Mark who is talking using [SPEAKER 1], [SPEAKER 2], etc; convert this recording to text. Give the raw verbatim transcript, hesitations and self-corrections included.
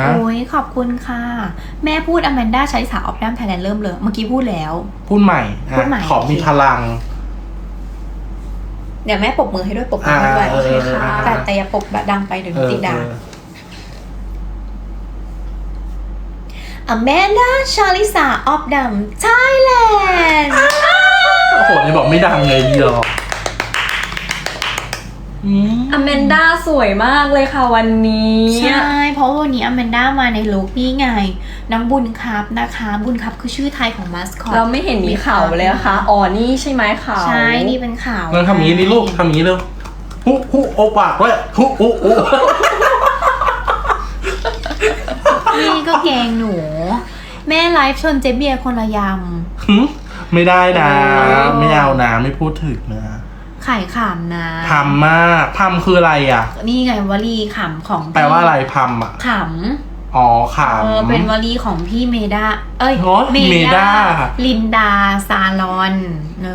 [SPEAKER 1] โอ้ยขอบคุณค่ะแม่พูดอแมนด้าใช้สาวออฟดัมไทยแลนด์เริ่มเลยเมื่อกี้พูดแล้ว
[SPEAKER 2] พูดใหม่
[SPEAKER 1] พูดใหม่
[SPEAKER 2] ขอมีพลัง
[SPEAKER 1] เดี๋ยวแม่ปรบมือให้ด้วยปรบมือให้ด้วยโอเคค่ะแต่แต่อย่าปรบแบบดังไปเดี๋ยวติดด่าอแมนด้าชาลิสาออฟดัมไทยแลนด์
[SPEAKER 2] โอ้โหนี่บอกไม่ดังเลยดีหรอ
[SPEAKER 3] อแมนด้าสวยมากเลยค่ะวันนี้
[SPEAKER 1] ใช่เพราะวันนี้อแมนด้ามาในลุคนี่ไงน้องบุญครับนะคะบุญครับคือชื่อไทยของมาสคอต
[SPEAKER 3] เราไม่เห็นมีข่าวเลยนะคะอ๋อนี่ใช่ไหมข่าว
[SPEAKER 1] ใช่นี่เป็นข่าว
[SPEAKER 2] เราทำอย่างนี้นี่ลูกทำอย่างนี้เร็วฮุฮุโอปากด้วยฮุฮุฮุ
[SPEAKER 1] นี่ก็แกงหนูแม่ไลฟ์ชนเจเบียคนละย
[SPEAKER 2] ำไม่ได้นะไม่เอานะไม่พูดถึงนะ
[SPEAKER 1] ไข่ขำนะ
[SPEAKER 2] พำมากพำคืออะไรอ่ะ
[SPEAKER 1] นี่ไงวลีขำของ
[SPEAKER 2] แปลว่าอะไรพำอ่ะ
[SPEAKER 1] ขำ
[SPEAKER 2] อ๋อขำ
[SPEAKER 1] เออเป็นวลีของพี่เมดาเอ้ย
[SPEAKER 2] เมดา
[SPEAKER 1] ลินดาซาลอนเอ